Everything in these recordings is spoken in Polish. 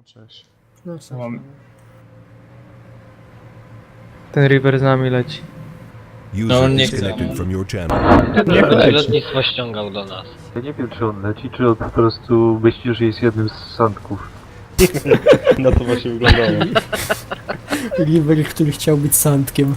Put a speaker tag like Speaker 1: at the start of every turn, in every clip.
Speaker 1: O, cześć.
Speaker 2: No co?
Speaker 3: Mam...
Speaker 4: Ten River z nami leci.
Speaker 5: No,
Speaker 6: User
Speaker 5: nie
Speaker 6: disconnected
Speaker 5: chcę.
Speaker 6: from your channel.
Speaker 5: Nie będzie lotnictwo ściągał do nas.
Speaker 7: Ja nie wiem, czy on leci, czy on po prostu myśli, że jest jednym z sandków.
Speaker 3: No to właśnie wyglądało.
Speaker 2: River, który chciał być sandkiem.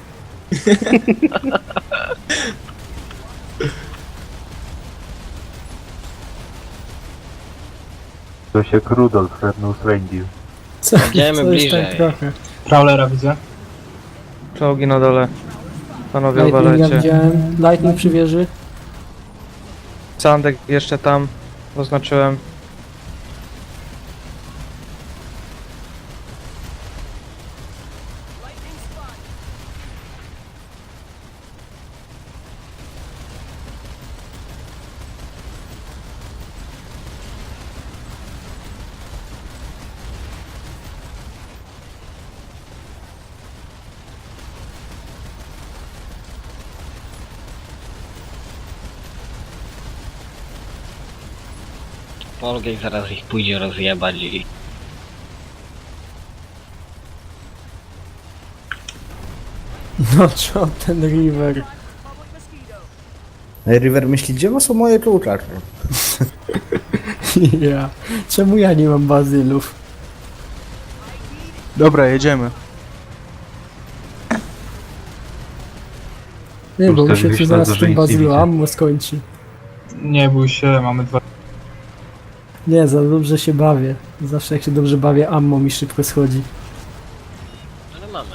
Speaker 7: To się jak Rudolf Red-Nosed Reindeer.
Speaker 2: Co,
Speaker 5: Idziemy
Speaker 2: co jest
Speaker 5: bliżej.
Speaker 2: tak trochę?
Speaker 3: Prowlera widzę.
Speaker 4: Czołgi na dole. Panowie
Speaker 2: Lightninga
Speaker 4: uwalecie.
Speaker 2: widziałem. Lightning przy wieży.
Speaker 4: Sandek jeszcze tam. Oznaczyłem.
Speaker 5: Polgej zaraz ich pójdzie rozjebać i...
Speaker 2: No co ten River?
Speaker 8: River myśli, gdzie są moje kluczacze?
Speaker 2: Ja. Czemu ja nie mam bazylów?
Speaker 1: Dobra, jedziemy.
Speaker 2: Nie, bo mi się
Speaker 7: Ustawiliśmy
Speaker 2: tu zaraz
Speaker 7: na
Speaker 2: w tym
Speaker 7: nic nie
Speaker 2: bazylu
Speaker 7: widzę.
Speaker 2: ammo skończy.
Speaker 3: Nie bój się, mamy dwa...
Speaker 2: Nie, za dobrze się bawię. Zawsze jak się dobrze bawię, ammo mi szybko schodzi.
Speaker 5: Ale mamy.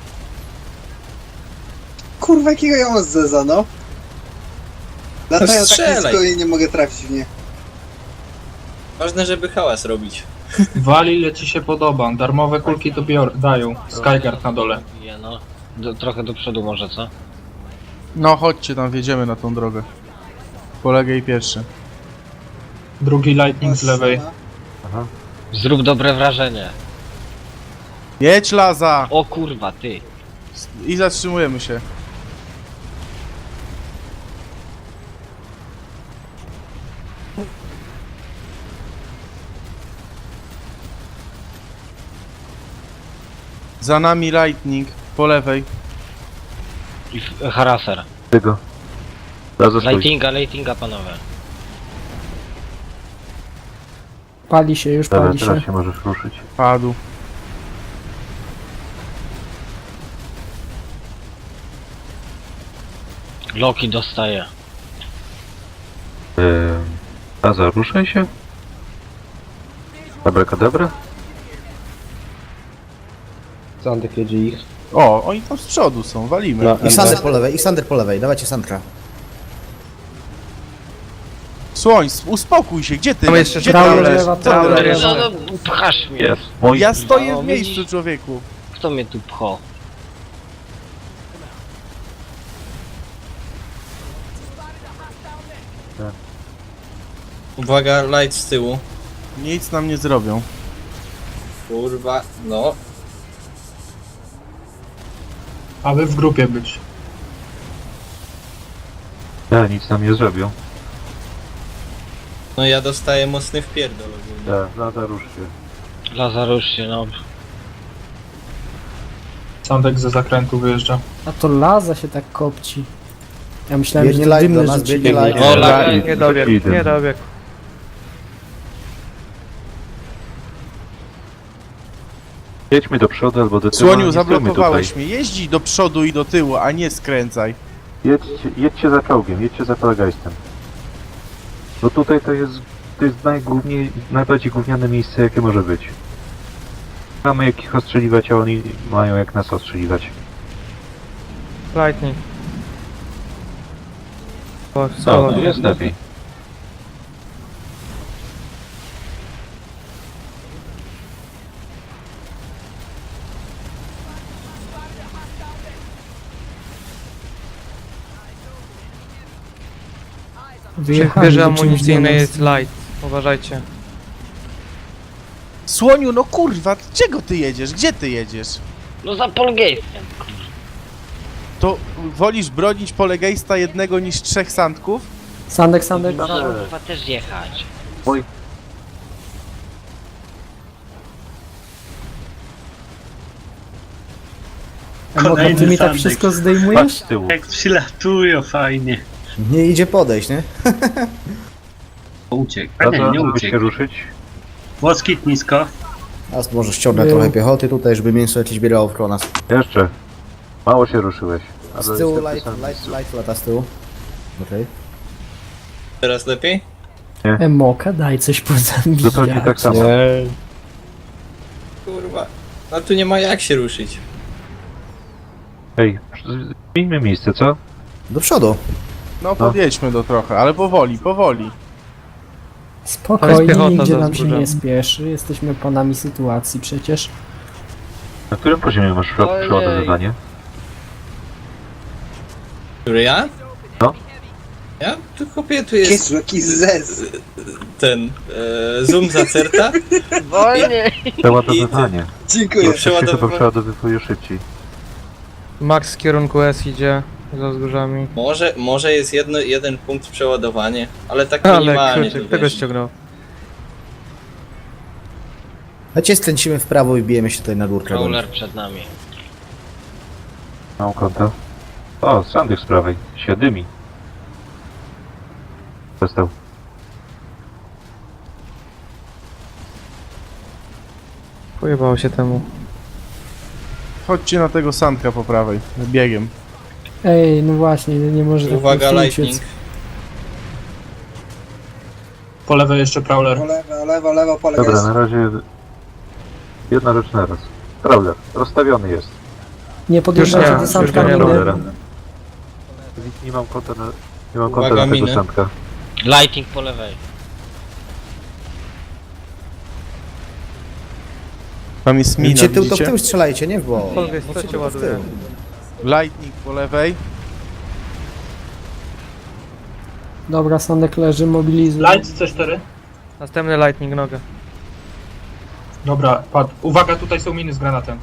Speaker 9: Kurwa, jakiego ja mam zeza, no? Latają tak
Speaker 5: strzelaj.
Speaker 9: nisko i nie mogę trafić w nie.
Speaker 5: Ważne, żeby hałas robić.
Speaker 3: Wali, ile ci się podoba. Darmowe kulki to dają. Skyguard na dole.
Speaker 5: No. Trochę do przodu może, co?
Speaker 1: No chodźcie tam, wjedziemy na tą drogę. Polegaj pierwszy.
Speaker 3: Drugi lightning z lewej.
Speaker 7: Aha.
Speaker 5: Zrób dobre wrażenie.
Speaker 1: Jedź Laza!
Speaker 5: O kurwa, ty.
Speaker 1: I zatrzymujemy się. Za nami Lightning, po lewej.
Speaker 5: I haraser.
Speaker 7: Tego. Zaraz stoi.
Speaker 5: Lightinga panowie.
Speaker 2: Pali się, już
Speaker 7: Dobra,
Speaker 2: pali się.
Speaker 7: teraz się możesz ruszyć.
Speaker 1: Padł.
Speaker 5: Loki dostaje.
Speaker 7: Zaza, ruszaj się. Abracadabra?
Speaker 8: Sandek jedzie ich.
Speaker 1: O, oni tam z przodu są, walimy.
Speaker 8: No, ich Sander po lewej, dawajcie Sandra.
Speaker 1: Słoń, uspokój się, gdzie ty?
Speaker 4: Tam jeszcze
Speaker 1: Gdzie
Speaker 4: Trawler,
Speaker 1: ty leżysz?
Speaker 2: lewa,
Speaker 1: Co ty
Speaker 2: Trawler
Speaker 1: leżysz?
Speaker 2: lewa.
Speaker 5: No, pchasz mnie.
Speaker 7: Jest. Mój.
Speaker 1: Ja stoję
Speaker 5: No,
Speaker 1: w miejscu,
Speaker 5: widzisz?
Speaker 1: człowieku.
Speaker 5: Kto mnie tu pcho?
Speaker 10: Uwaga, light z tyłu.
Speaker 1: Nic nam nie zrobią.
Speaker 10: Kurwa, no.
Speaker 3: Aby w grupie być.
Speaker 7: Ja, nic nam nie zrobią.
Speaker 10: No ja dostaję mocny wpierdol ogólnie.
Speaker 7: Tak, Zaza, rusz się.
Speaker 5: Lazarusz się, no.
Speaker 3: Sandek ze zakrętu wyjeżdża.
Speaker 2: A to Laza się tak kopci. Ja myślałem,
Speaker 8: Biegnie
Speaker 2: że to
Speaker 8: light do
Speaker 2: dymne
Speaker 8: nas,
Speaker 2: rzeczy.
Speaker 8: biegnie light.
Speaker 5: O, la...
Speaker 4: Nie dobiegł, nie dobiegł.
Speaker 7: Jedźmy do przodu albo do tyłu.
Speaker 1: Słoniu,
Speaker 7: nie stójmy
Speaker 1: zablokowałeś
Speaker 7: tutaj.
Speaker 1: mnie. Jeździ do przodu i do tyłu, a nie skręcaj.
Speaker 7: Jedźcie za czołgiem, jedźcie za Polagajstem. Bo tutaj to jest najbardziej gówniane miejsce, jakie może być. Mamy jak ich ostrzeliwać, a oni mają jak nas ostrzeliwać.
Speaker 4: Lightning. O,
Speaker 7: No, jest lepiej.
Speaker 4: Przy
Speaker 2: Wyjechali
Speaker 4: wieży
Speaker 2: do czymś
Speaker 4: amunicyjnej
Speaker 2: do nas.
Speaker 4: jest light. Uważajcie.
Speaker 1: Słoniu, no kurwa, czego ty jedziesz? Gdzie ty jedziesz?
Speaker 5: No za Polgeistem.
Speaker 1: To wolisz bronić polegejsta jednego niż 3 sandków?
Speaker 2: Sandek, Sandek.
Speaker 5: No kurwa też jechać.
Speaker 2: No to ty mi tak wszystko
Speaker 7: Patrz
Speaker 2: zdejmujesz?
Speaker 7: z tyłu.
Speaker 6: Jak przylatują fajnie.
Speaker 8: Nie idzie podejść, nie?
Speaker 6: Uciekł. A nie,
Speaker 7: Dobra,
Speaker 6: nie
Speaker 7: żeby się
Speaker 6: uciekł.
Speaker 7: ruszyć.
Speaker 6: Moskit nisko.
Speaker 8: Teraz może ściągnę
Speaker 2: Był.
Speaker 8: trochę piechoty tutaj, żeby mięso jakieś bierało w nas.
Speaker 7: Jeszcze. Mało się ruszyłeś. Ale
Speaker 8: Z tyłu
Speaker 7: jestem
Speaker 8: light lata z tyłu. Okej.
Speaker 10: Teraz lepiej?
Speaker 2: Emoka, daj coś pozabijać.
Speaker 7: Zupełnie tak samo.
Speaker 10: Kurwa. No tu nie ma jak się ruszyć.
Speaker 7: Ej, zmieńmy miejsce, co?
Speaker 8: Do przodu.
Speaker 1: No podjedźmy do trochę, ale powoli, powoli.
Speaker 2: Spokojnie,
Speaker 4: piechota
Speaker 2: nigdzie
Speaker 4: za
Speaker 2: nam się
Speaker 4: wzgórzem.
Speaker 2: nie spieszy. Jesteśmy panami sytuacji przecież.
Speaker 7: Na którym poziomie masz
Speaker 5: Ojej.
Speaker 7: przeładowywanie?
Speaker 10: Który ja?
Speaker 7: No.
Speaker 10: Ja? Tu kopię, tu jest
Speaker 9: Jezu, jaki zez.
Speaker 10: ten zoom zacerta.
Speaker 5: Wolniej!
Speaker 7: Przeładowywanie.
Speaker 9: Dziękuję.
Speaker 7: To się chyba
Speaker 10: Przeładowywanie.
Speaker 7: przeładowywuje szybciej.
Speaker 4: Max z kierunku S idzie za wzgórzami.
Speaker 10: Może jest jeden punkt przeładowanie, ale tak
Speaker 4: Ale
Speaker 10: minimalnie.
Speaker 4: kurczę,
Speaker 10: tu
Speaker 4: kto go
Speaker 10: wiesz.
Speaker 4: ściągnął?
Speaker 8: Chodźcie, skręcimy w prawo i bijemy się tutaj na górkę.
Speaker 5: Crawler przed nami.
Speaker 7: Mam konto. O, Sandek z prawej. Się dymi. Przestał.
Speaker 4: Pojebało się temu.
Speaker 1: Chodźcie na tego Sandka po prawej, biegiem.
Speaker 2: Ej, no właśnie, nie może tak
Speaker 10: Uwaga,
Speaker 2: po prostu
Speaker 10: lightning.
Speaker 2: uciec.
Speaker 3: Po lewej jeszcze Prowler.
Speaker 9: Lewo, po lewej.
Speaker 7: Dobra, na razie jedna rzecz na raz. Prowler, rozstawiony jest.
Speaker 2: Nie podjeżdżajcie
Speaker 4: Już nie,
Speaker 2: do
Speaker 4: już
Speaker 2: Sandka
Speaker 4: go nie
Speaker 2: miny.
Speaker 7: Prowlera. Nie mam konta na... Nie mam konta
Speaker 10: Uwaga,
Speaker 7: na tego
Speaker 10: miny.
Speaker 7: Sandka.
Speaker 5: Lighting po lewej.
Speaker 1: Tam jest mina,
Speaker 8: Widzicie, tył to w
Speaker 1: widzicie?
Speaker 8: tył strzelajcie, nie w bok.
Speaker 4: Powiedz, co cię
Speaker 8: tylko w tył.
Speaker 4: ładuje.
Speaker 1: Lightning po lewej.
Speaker 2: Dobra, Sandek leży, mobilizuj.
Speaker 3: Light C4.
Speaker 4: Następny lightning nogę.
Speaker 3: Dobra, padł. Uwaga, tutaj są miny z granatem.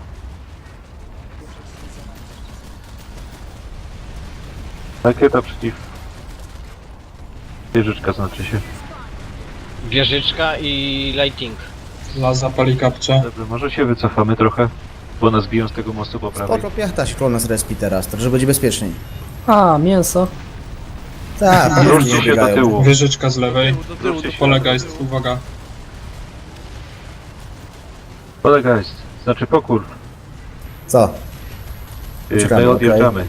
Speaker 7: Rakieta przeciw... Wieżyczka znaczy się.
Speaker 5: Wieżyczka i lighting.
Speaker 3: Las zapali kapcze.
Speaker 7: Dobrze, może się wycofamy trochę? Bo nas biją z tego mostu po prawej.
Speaker 8: Spoko, piechta się nas respi teraz, to żeby będzie bezpieczniej.
Speaker 2: A, mięso.
Speaker 8: Tak,
Speaker 7: Wróćcie
Speaker 8: nie
Speaker 7: się do
Speaker 8: biegają.
Speaker 7: tyłu.
Speaker 3: Wieżyczka z lewej.
Speaker 7: Wróćcie się.
Speaker 3: Polega jest, uwaga.
Speaker 7: Polega jest. Znaczy pokór.
Speaker 8: Co? Czekamy,
Speaker 7: My
Speaker 8: okej.
Speaker 7: odjeżdżamy.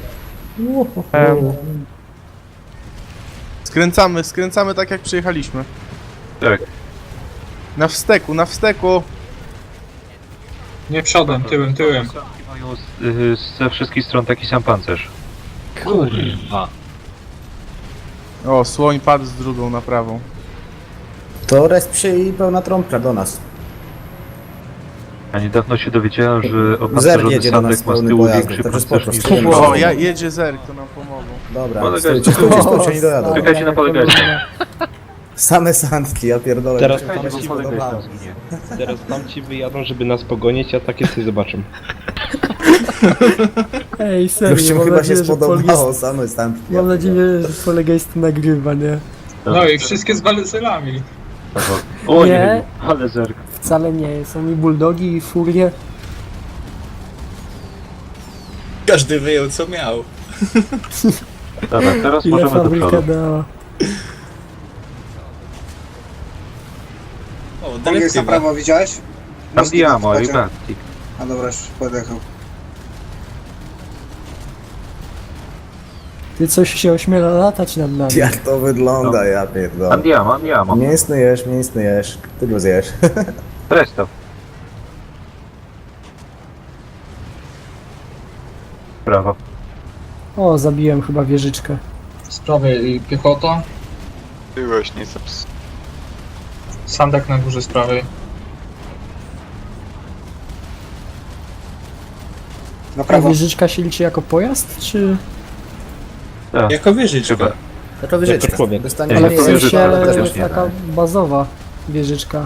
Speaker 1: Skręcamy tak jak przyjechaliśmy.
Speaker 7: Tak.
Speaker 1: Na wsteku, na wsteku.
Speaker 3: Nie przodem, tyłem.
Speaker 7: Sanki mają ze wszystkich stron taki sam pancerz.
Speaker 5: Kurwa.
Speaker 1: O, słoń padł z drugą na prawą.
Speaker 8: To resp się i pełna trąbka do nas.
Speaker 7: A niedawno się dowiedziałem, że
Speaker 8: Zer
Speaker 7: opancerzony
Speaker 8: jedzie do nas
Speaker 7: Sandek ma z
Speaker 8: pełny
Speaker 7: tyłu
Speaker 8: pojazdów,
Speaker 7: większy
Speaker 8: także
Speaker 7: pancerz
Speaker 8: spoko,
Speaker 7: niż...
Speaker 8: stajemy
Speaker 1: O,
Speaker 8: się.
Speaker 1: jedzie Zerk, to nam pomogą.
Speaker 8: Dobra,
Speaker 7: Polega
Speaker 8: stójcie,
Speaker 7: jest-
Speaker 8: stójcie, nie dojadą.
Speaker 7: Czekajcie na polegajcie.
Speaker 8: Same sandki, ja pierdolę.
Speaker 10: Teraz
Speaker 8: jak
Speaker 7: Czekajcie,
Speaker 8: się
Speaker 7: bo polegajcie
Speaker 8: podobało.
Speaker 7: tam zginie.
Speaker 10: Teraz tamci wyjadą, żeby nas pogonić, a takie ty zobaczą.
Speaker 2: Ej, serio,
Speaker 8: Gościom
Speaker 2: mam
Speaker 8: chyba się
Speaker 2: nadzieję, że
Speaker 8: spodobało, same sandki.
Speaker 2: Mam nadzieję, że Polgejst nagrywa, nie?
Speaker 3: No i wszystkie z walcelami.
Speaker 7: O
Speaker 2: Nie.
Speaker 7: nie, ale Zerk.
Speaker 2: Wcale nie, są i bulldogi, i furie.
Speaker 10: Każdy wyjął co miał.
Speaker 7: Dobra, teraz
Speaker 2: Ile
Speaker 7: możemy do
Speaker 2: fabryka
Speaker 7: przodu.
Speaker 2: dała.
Speaker 10: O,
Speaker 9: Jest na
Speaker 10: dyrektywa.
Speaker 9: prawo, widziałeś?
Speaker 7: Tam
Speaker 9: Moskit
Speaker 7: Diamo i
Speaker 9: wchodzi.
Speaker 7: Baktik.
Speaker 9: A dobra, już podjechał.
Speaker 2: Ty coś się ośmiela latać nad nami.
Speaker 8: Jak to wygląda, ja pierdolę.
Speaker 7: Andiamo.
Speaker 8: Mięsny jesz. Ty go zjesz.
Speaker 7: Presto. Brawo.
Speaker 2: O, zabiłem chyba wieżyczkę.
Speaker 3: Z prawej piechota.
Speaker 10: Byłeś nie zaps.
Speaker 3: Sandek na górze z prawej.
Speaker 9: Na
Speaker 2: A
Speaker 9: prawo.
Speaker 2: wieżyczka się liczy jako pojazd, czy...
Speaker 7: Tak,
Speaker 10: Jako wieżyczka.
Speaker 7: chyba.
Speaker 8: To wieżyczka.
Speaker 10: Jako człowiek.
Speaker 8: Dostanie
Speaker 2: Ale
Speaker 7: nie,
Speaker 2: w
Speaker 7: to
Speaker 8: mniej,
Speaker 2: sensie
Speaker 7: wieżyczka,
Speaker 8: ale
Speaker 7: też nie.
Speaker 2: taka bazowa wieżyczka.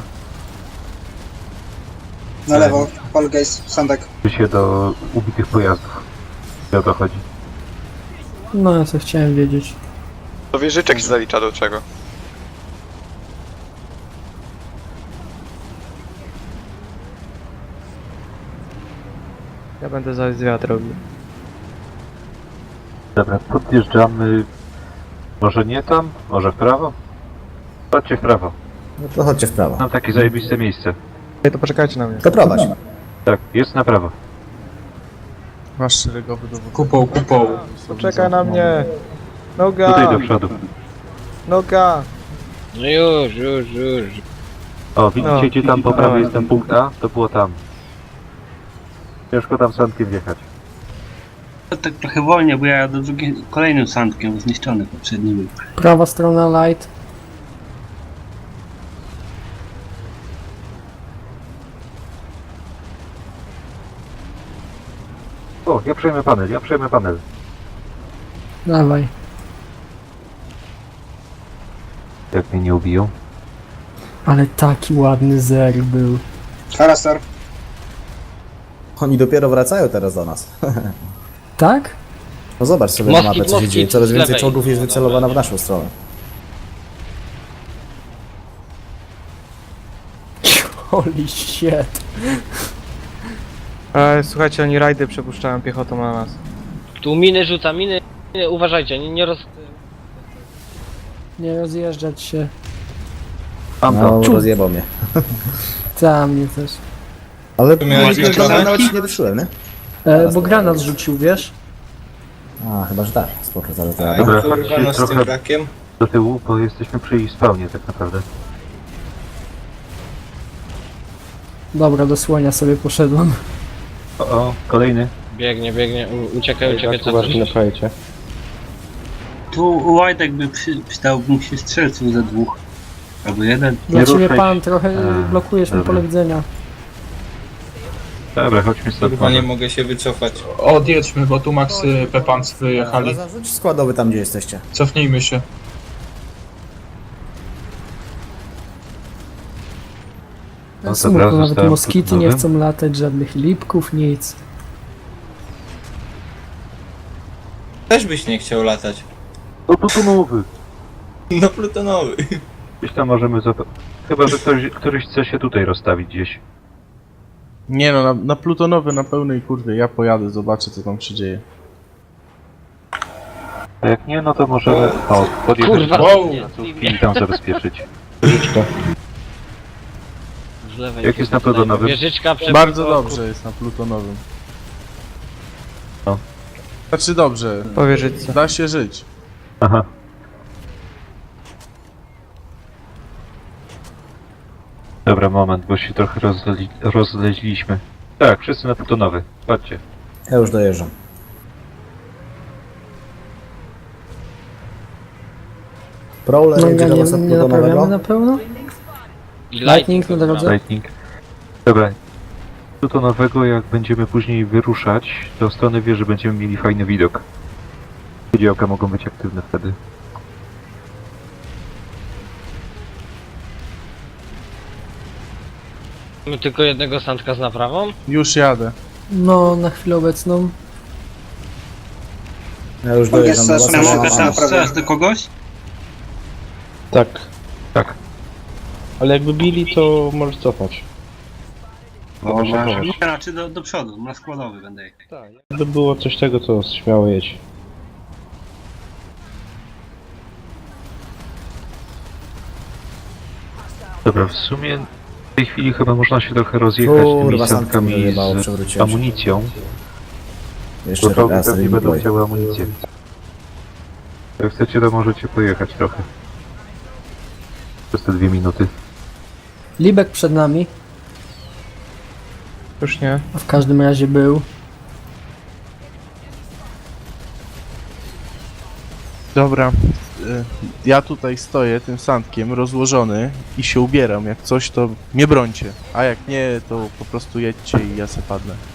Speaker 9: Na lewo, Polgejst, Sandek.
Speaker 7: Się do ubitych pojazdów. I o to chodzi.
Speaker 2: No, ja co chciałem wiedzieć.
Speaker 10: To wieżyczek się zalicza do czego?
Speaker 4: Ja będę zaś zwiat robił.
Speaker 7: Dobra, podjeżdżamy. Może nie tam? Może w prawo? Chodźcie w prawo.
Speaker 8: No to chodźcie w prawo.
Speaker 7: Mam takie zajebiste miejsce.
Speaker 4: Ej, to poczekajcie na mnie.
Speaker 8: To prowadź.
Speaker 7: Tak, jest na prawo.
Speaker 1: Masz szeregowy dowód.
Speaker 3: Kupą.
Speaker 4: Poczekaj na mnie.
Speaker 7: Tutaj
Speaker 4: Noga!
Speaker 7: do przodu.
Speaker 4: Noga!
Speaker 5: No już.
Speaker 7: O, widzicie
Speaker 4: No.
Speaker 7: gdzie tam po prawej jest ten punkt A? To było tam. Ciężko tam sandkiem wjechać.
Speaker 6: To tak trochę wolniej, bo ja do kolejnym sandkiem zniszczony poprzedni był.
Speaker 2: Prawa strona light.
Speaker 7: O, ja przejmę panel.
Speaker 2: Dawaj.
Speaker 7: Jak mnie nie ubiją.
Speaker 2: Ale taki ładny zer był.
Speaker 9: Harastar.
Speaker 8: Oni dopiero wracają teraz do nas.
Speaker 2: Tak?
Speaker 8: No zobacz sobie na
Speaker 5: Moskit,
Speaker 8: mapę, co się
Speaker 5: moskit,
Speaker 8: dzieje. Coraz
Speaker 5: z
Speaker 8: więcej
Speaker 5: lewej.
Speaker 8: czołgów jest wycelowane w naszą stronę.
Speaker 2: Holy shit.
Speaker 4: Słuchajcie, oni rajdy przepuszczają piechotą na nas.
Speaker 5: Tu miny rzuca, miny. Uważajcie, nie roz...
Speaker 2: Nie rozjeżdżać się.
Speaker 7: Mam
Speaker 8: No,
Speaker 7: to.
Speaker 8: rozjebał mnie.
Speaker 2: Ta mnie też.
Speaker 8: Ale
Speaker 10: miałeś
Speaker 8: no,
Speaker 10: zaczynać?
Speaker 8: nawet nie wyszyłem, nie?
Speaker 2: Bo granat rzucił, wiesz?
Speaker 8: A, chyba, że tak. Spoko, ale to...
Speaker 7: Dobra,
Speaker 10: Kurwa,
Speaker 7: chodźcie
Speaker 10: no z tym
Speaker 7: trochę
Speaker 10: brakiem.
Speaker 7: do tyłu, bo jesteśmy przy jej spawnie tak naprawdę.
Speaker 2: Dobra, do słonia sobie poszedłem.
Speaker 7: O, kolejny.
Speaker 5: Biegnie. Uciekaj, co
Speaker 4: napajecie.
Speaker 6: Tu Łajtek by przydałby mu się strzelców ze dwóch. Albo jeden.
Speaker 2: Dla
Speaker 7: Nie
Speaker 2: ciebie
Speaker 7: ruszaj
Speaker 2: pan
Speaker 7: się.
Speaker 2: trochę blokujesz mi
Speaker 7: dobra.
Speaker 2: pole widzenia.
Speaker 7: Dobra, chodźmy stąd.
Speaker 10: Kurwa, nie
Speaker 7: może.
Speaker 10: mogę się wycofać.
Speaker 3: Odjedźmy, bo tu Max Pepans wyjechali.
Speaker 8: Ale zarzuć składowy tam, gdzie jesteście.
Speaker 3: Cofnijmy się.
Speaker 7: No to
Speaker 2: Smutno,
Speaker 7: teraz
Speaker 2: nawet
Speaker 7: zostałem
Speaker 2: moskity nie
Speaker 7: nowym.
Speaker 2: chcą latać, żadnych lipków, nic.
Speaker 10: Też byś nie chciał latać.
Speaker 7: No plutonowy.
Speaker 10: No plutonowy.
Speaker 7: Gdzieś tam możemy Chyba, że któryś chce się tutaj rozstawić gdzieś.
Speaker 1: Nie no, na plutonowy na pełnej kurwie, ja pojadę, zobaczę co tam się dzieje.
Speaker 7: A jak nie, no to możemy... O, podjechać
Speaker 5: Kurwa,
Speaker 7: do
Speaker 5: nie,
Speaker 7: placówki i tam zabezpieczyć.
Speaker 5: z lewej.
Speaker 7: Jak jest na plutonowym?
Speaker 5: Wieżyczka
Speaker 1: Bardzo dobrze jest na plutonowym.
Speaker 7: No.
Speaker 1: Znaczy dobrze,
Speaker 4: Powierzyć.
Speaker 1: da się żyć.
Speaker 7: Aha. Dobra, moment, bo się trochę rozleźliśmy. Tak, wszyscy na plutonowy. Chodźcie.
Speaker 8: Ja już dojeżdżam. Prowler
Speaker 2: No
Speaker 8: jedzie
Speaker 2: ja
Speaker 8: do
Speaker 2: nie,
Speaker 8: was od
Speaker 2: nie naprawiamy
Speaker 8: plutonowego.
Speaker 2: na pełno? Lightning na drodze?
Speaker 7: Lightning. Dobra. Plutonowego, jak będziemy później wyruszać, to w stronę wieży będziemy mieli fajny widok. Działka mogą być aktywne wtedy.
Speaker 5: Mamy tylko jednego sandka z naprawą.
Speaker 1: Już jadę.
Speaker 2: No, na chwilę obecną.
Speaker 8: Ja już
Speaker 9: Pan
Speaker 8: dojeżdżam do
Speaker 9: jest
Speaker 8: was.
Speaker 6: Ja
Speaker 9: Zaczynamy
Speaker 6: mogę
Speaker 8: ale-
Speaker 9: tam
Speaker 6: tam strzelać do kogoś?
Speaker 4: Tak.
Speaker 7: Tak.
Speaker 4: Ale jakby bili, to możesz cofać.
Speaker 6: Nie, raczej do przodu, na składowy będę jechał.
Speaker 4: Tak, jakby było coś tego, to śmiało jedź.
Speaker 7: Dobra, w sumie w tej chwili chyba można się trochę rozjechać
Speaker 8: Kurwa,
Speaker 7: tymi
Speaker 8: sandka
Speaker 7: sankami
Speaker 8: mnie wyjebało,
Speaker 7: z
Speaker 8: przewróciłem się.
Speaker 7: amunicją.
Speaker 8: Jeszcze
Speaker 7: Bo czołgi
Speaker 8: raz
Speaker 7: pewnie
Speaker 8: sobie
Speaker 7: będą
Speaker 8: boję.
Speaker 7: chciały amunicję. Jak chcecie, to możecie pojechać trochę. Przez te 2 minuty.
Speaker 2: Libek przed nami,
Speaker 4: Już nie.
Speaker 2: a w każdym razie był.
Speaker 1: Dobra, ja tutaj stoję tym sandkiem rozłożony i się ubieram. Jak coś to mnie brońcie, a jak nie to po prostu jedźcie i ja se padnę.